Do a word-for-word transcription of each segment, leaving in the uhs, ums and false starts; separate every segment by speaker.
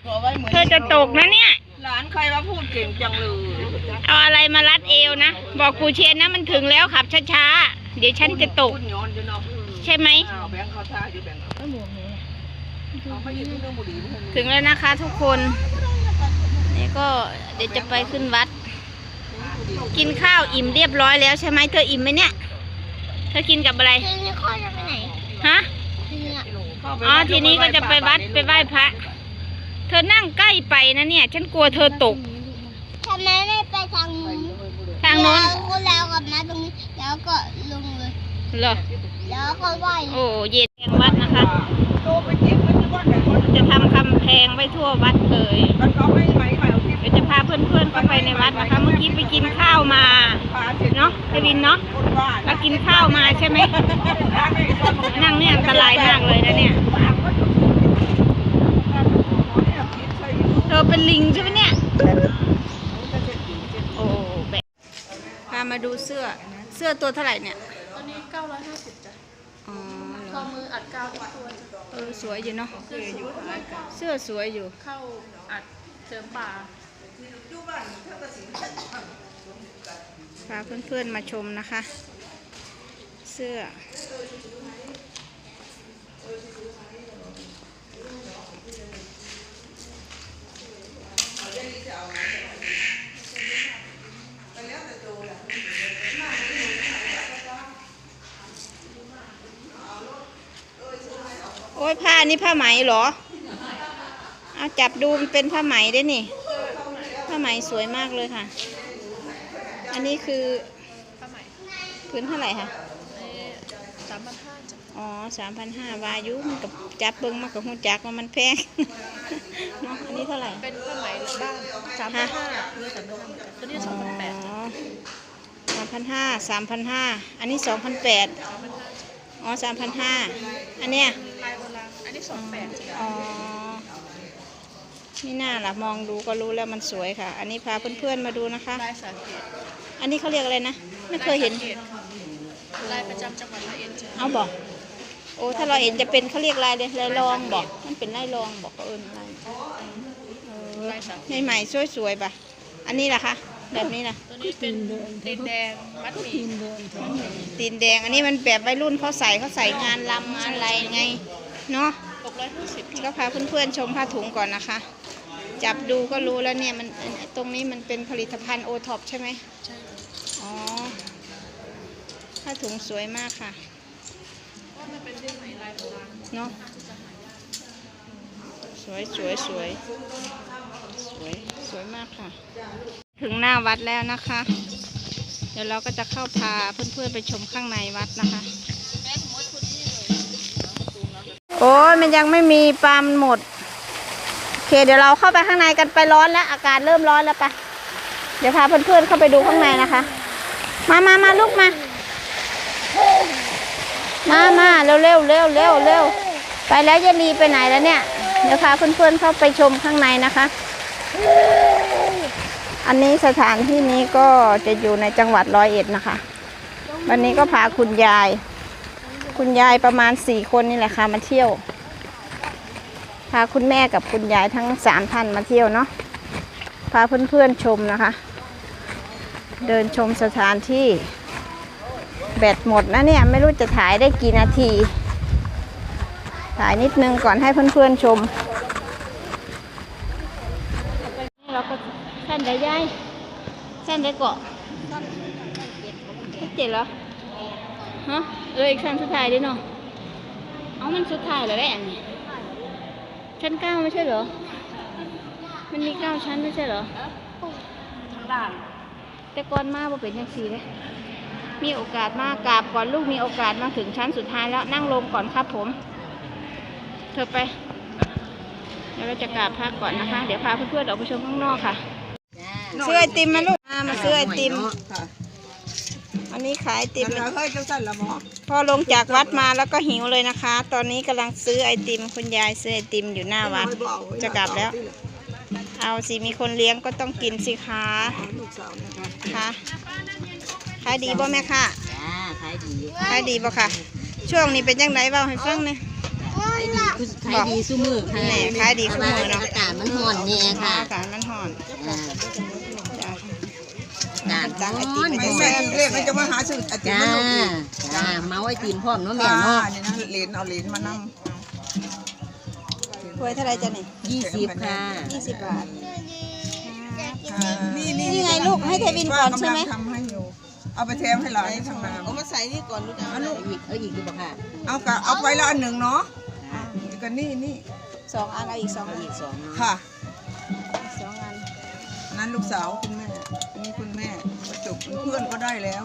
Speaker 1: เธอจะตกนะเนี่ย
Speaker 2: หลานใครว่าพูดเก่งจังเลย
Speaker 1: เอาอะไรมารัดเอวนะบอกกูเชียนนะมันถึงแล้วขับช้าๆเดี๋ยวฉันจะตกใช่ไหมถึงแล้วนะคะทุกคนนี่ก็เดี๋ยวจะไปขึ้นวัดกินข้าวอิ่มเรียบร้อยแล้วใช่ไหมเธออิ่มไหมเนี่ยเธอกินกับอะไรฮะอ๋อทีนี้ก็จะไปวัดไปไหว้พระเธอนั่งใกล้ไปนะเนี่ยฉันกลัวเธอตก
Speaker 3: ทำไมไม่ไปทางนู้น
Speaker 1: ทางโน้น
Speaker 3: แล้วกลับมาตรงนี้แล้วก็ลงเลย
Speaker 1: เหรอ
Speaker 3: แล้วก็ไหว้
Speaker 1: โอ้เย็นแพงวัดนะคะจะทำคำแพงไว้ทั่ววัดเลยเดี๋ยวจะพาเพื่อนๆเข้าไปในวัดนะคะเมื่อกี้ไปกินข้าวมาเนาะไปวินเนาะเรากินข้าวมาใช่ไหมนั่งเนี่ยอันตรายมากเลยนะเนี่ยเธอเป็นลิงใช่ไหมเนี่ยโอ้แบบพามาดูเสื้อเสื้อตัวเท่าไหร่เนี่ย
Speaker 4: ตอนนี้เก้าร้อยห้าสิบจ้ะ
Speaker 1: อ๋อ
Speaker 4: ข้อมืออัดกาวทุกตัว
Speaker 1: เออสวยอยู่เนาะเสื้อสวยอยู่
Speaker 4: เข้าอัดเสริมป่า
Speaker 1: พาเพื่อนๆมาชมนะคะเสื้อโอ้ยผ้านี่ผ้าไหมเหรอเอาจับดูมันเป็นผ้าไหมได้นี่ผ้าไหมสวยมากเลยค่ะอันนี้คือพื้นเท่าไหร่คะ
Speaker 4: สามพันห้าจ้ะ
Speaker 1: อ๋อสามพันห้าวายุมันกับจับเบิ้งมากกับหูจักว่ามันแพงเนาะอันนี้เท่าไหร่
Speaker 4: เป็นผ้าไหมบ้านสามพันห้าเนื้อสามพันห้าตัวนี้สองพันแปด
Speaker 1: สามพันห้าสามพันห้าอันนี้สองพันแปดอ๋อสามพันห้าอันเนี้ย
Speaker 4: ลายโบราณอันนี้สองแปด
Speaker 1: อ๋อนี่น่าล่ะมองดูก็รู้แล้วมันสวยค่ะอันนี้พาเพื่อนๆมาดูนะคะ
Speaker 4: ลายสาเกต
Speaker 1: อันนี้เขาเรียกอะไรนะไม่เคยเห็น
Speaker 4: ลายประจำจังหวัดร้อยเอ็ด
Speaker 1: เอาบอกโอ้ถ้าเราเห็นจะเป็นเขาเรียกลายเลยลายรองบอกมันเป็นลายรองบอกเขาเอิญอะไรในใหม่สวยๆป่ะอันนี้ล่ะคะแบบนี้ล่ะ
Speaker 4: ตัวนี้เป็นตีนแดงมัดหมี่
Speaker 1: ตีนแดงอันนี้มันแบบวัยรุ่นเขาใส่เขาใส่งานลำงานอะไรไงเนาะ
Speaker 4: หกร้อยห้าสิบ
Speaker 1: ก็พาเพื่อนๆชมผ้าถุงก่อนนะคะจับดูก็รู้แล้วเนี่ยมันตรงนี้มันเป็นผลิตภัณฑ์โอท็อปใช่ไหม
Speaker 4: ใช่
Speaker 1: อ๋อผ้าถุงสวยมากค่ะ
Speaker 4: ว่ามันเป็นไหมลายโบราณ
Speaker 1: เนาะสวยสวยสวยสวยสวยมากค่ะถึงหน้าวัดแล้วนะคะเดี๋ยวเราก็จะเข้าพาเพื่อนๆไปชมข้างในวัดนะคะโอ้ยมันยังไม่มีปลามันหมดโอเคเดี๋ยวเราเข้าไปข้างในกันไปร้อนแล้วอากาศเริ่มร้อนแล้วไปเดี๋ยวพาเพื่อนๆเข้าไปดูข้างในนะคะมามามาลูกมามามาเร็วเร็วเร็วเร็วเร็วไปแล้วยายลีไปไหนแล้วเนี่ยเดี๋ยวพาเพื่อนๆเข้าไปชมข้างในนะคะอันนี้สถานที่นี้ก็จะอยู่ในจังหวัดร้อยเอ็ดนะคะวันนี้ก็พาคุณยายคุณยายประมาณสี่คนนี่แหละค่ะมาเที่ยวพาคุณแม่กับคุณยายทั้งสามท่านมาเที่ยวเนาะพาเพื่อนๆชมนะคะเดินชมสถานที่แบตหมดนะเนี่ยไม่รู้จะถ่ายได้กี่นาทีถ่ายนิดนึงก่อนให้เพื่อนๆชมเราก็เส้นได้ย่ายเส้นได้เกาะเจ็ดเหรอฮะเอออีกชั้นสุดท้ายดิเนาะเอามันสุดท้ายแล้วแหละอันนี้ชั้นเก้าไม่ใช่เหรอมันมีเก้าชั้นไม่ใช่เหรอ
Speaker 4: ทั้งด่าน
Speaker 1: แต่ก่อนมาบ่เป็นยังสี่เลยมีโอกาสมากราบก่อนลูกมีโอกาสมาถึงชั้นสุดท้ายแล้วนั่งลงก่อนครับผมเธอไปเดี๋ยวเราจะกราบพระก่อนนะคะเดี๋ยวพาเพื่อนๆออกไปชมข้างนอกค่ะซื้อไอติมมาลูกมาซื้อไอติมอันนี้ขายไอติมพอลงจากวัดมาแล้วก็หิวเลยนะคะตอนนี้กำลังซื้อไอติมคุณยายซื้อไอติมอยู่หน้าวัดจะกลับแล้วเอาสิมีคนเลี้ยงก็ต้องกินสิคะค่ะขายดีบ่แม่ค่ะขายดีขายดีบ่ค่ะช่วงนี้เป็นยังไงบ้างให้ฟังเนี่ย
Speaker 3: เงินละ
Speaker 5: ขายดีสู้มือค่ะ
Speaker 1: แหน่ขายดีขึ้นมือเนาะ
Speaker 5: อากาศมันร้อนเนี่ยค่ะ
Speaker 1: อากาศมันห่อน
Speaker 5: อ่า
Speaker 1: จ้ะ
Speaker 5: อากาศ
Speaker 1: จังไอติม
Speaker 2: ไม่แม่กินเลขมันจะมาหาซื้อไอติม
Speaker 5: จ้า
Speaker 2: มันลงอีก
Speaker 5: จ้าเมาไอติมพร้อมเนาะแม่
Speaker 2: ค่ะ
Speaker 5: เนาะ
Speaker 2: นี่นะเหรียญเอาเหรียญมานั่ง
Speaker 1: ถ้วยเท่าไรจ้ะนี่
Speaker 5: ยี่สิบค่ะ
Speaker 1: ยี่สิบบาท
Speaker 2: นี่นี่
Speaker 1: นี่ไงลูกให้เทวินก่อนใช่ไหม
Speaker 2: ทำให้อยู่เอาไปแถมให้หลานทางน้ำ
Speaker 4: เอามาใส่นี่ก่อนลูกเอา
Speaker 5: เอาลูกอีกเอาอีกดีป่ะค่ะ
Speaker 2: เอากะเอาไปละอันหนึ่งเนาะก็นี่นี่
Speaker 1: สองอันเอาอีกสองอัน
Speaker 5: อีกสองเนาะ
Speaker 2: ค่ะ
Speaker 1: สองอัน
Speaker 2: อันนั้นลูกสาวคุณแม่อันนี้คุณแม่จบเพื่อนก็ได้แล้ว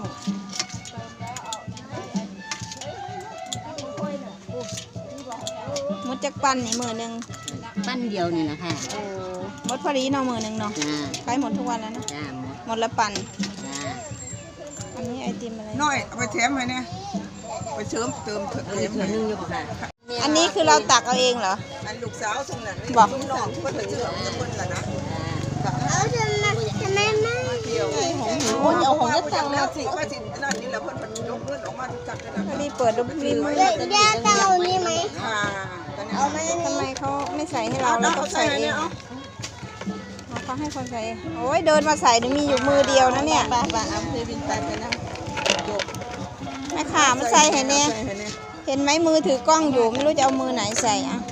Speaker 1: มดจักปันนี่มือหนึ่ง
Speaker 5: ปั้นเดียวนี่แหละค่ะ
Speaker 1: โอ้มดพอดีเนาะมือหนึ่งเนาะ
Speaker 5: จ้า
Speaker 1: ขายหมดทุกวันแล้วเนาะ
Speaker 5: จ้าหมด
Speaker 1: หมดละปัน
Speaker 5: จ้า
Speaker 1: อันนี้ไอติมอะไร
Speaker 2: น้อยเอาไปแถมให้เนี่ยไปเสริมเติมเถอะ
Speaker 5: เอา
Speaker 2: เถ
Speaker 5: อีก
Speaker 2: ม
Speaker 5: ตัว
Speaker 2: ให้
Speaker 5: หนึงอยู่ป่ะค่ะ
Speaker 1: อันนี้คือเราตักเอาเองเหรอ
Speaker 2: อันลูกสาวสมนั้นนี่
Speaker 1: บอก
Speaker 2: ลูกน้องก็ถึงเชื่อจะคนละนะ
Speaker 3: เอาทำไมทำไมไม่
Speaker 2: เที่ยว
Speaker 1: โอ้ยเอาของเล็กตัง
Speaker 2: แล้
Speaker 1: มาว
Speaker 2: สิว่าสินั่นนี่แหละเพิ่นเพิ่นยกเงินออกมาจัดกันนะ
Speaker 1: พอดีเปิดดูลิน
Speaker 3: เด็กย่าเต่านี่ไหม
Speaker 2: ค่ะ
Speaker 1: เอาไหมทำไมเขาไม่ใส่ให้เรา
Speaker 2: เอา
Speaker 1: เรา
Speaker 2: เอา
Speaker 1: ต้อง
Speaker 2: ใส่
Speaker 1: ใส่เอ
Speaker 2: เนี่
Speaker 1: ง
Speaker 2: ยเอา
Speaker 1: เขาให้คนใส่โอ้ยเดินมาใส่นี่มีอยู่มือเดียวนะเนี่ย
Speaker 4: ปาปาเอาเทวินไปไปนั่งจบ
Speaker 1: แม่ขามาใส่ให้เนี่ย
Speaker 2: ใส่ให้เนี่ย
Speaker 1: เห็นไหมมือถือกล้องอยู่ไม่รู้จะเอามือไหนใส่อะ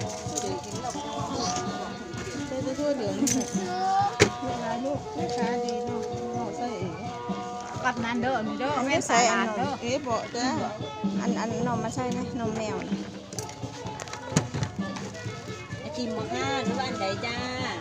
Speaker 4: เจ้าทั่วเหลืองนี่เวลาลูกแม่ค้าดีเนาะเอาใส่เอง
Speaker 2: กับนั้นเด้อนี่เด้อ
Speaker 1: ไม่ใส่อันนม
Speaker 4: เอ๊ะบอกจ้า
Speaker 1: อันอันนมมาใส่ไหมนมแมวน่ะ
Speaker 5: ไอติมบ่ค่ะหรือว่าอันใดจ้า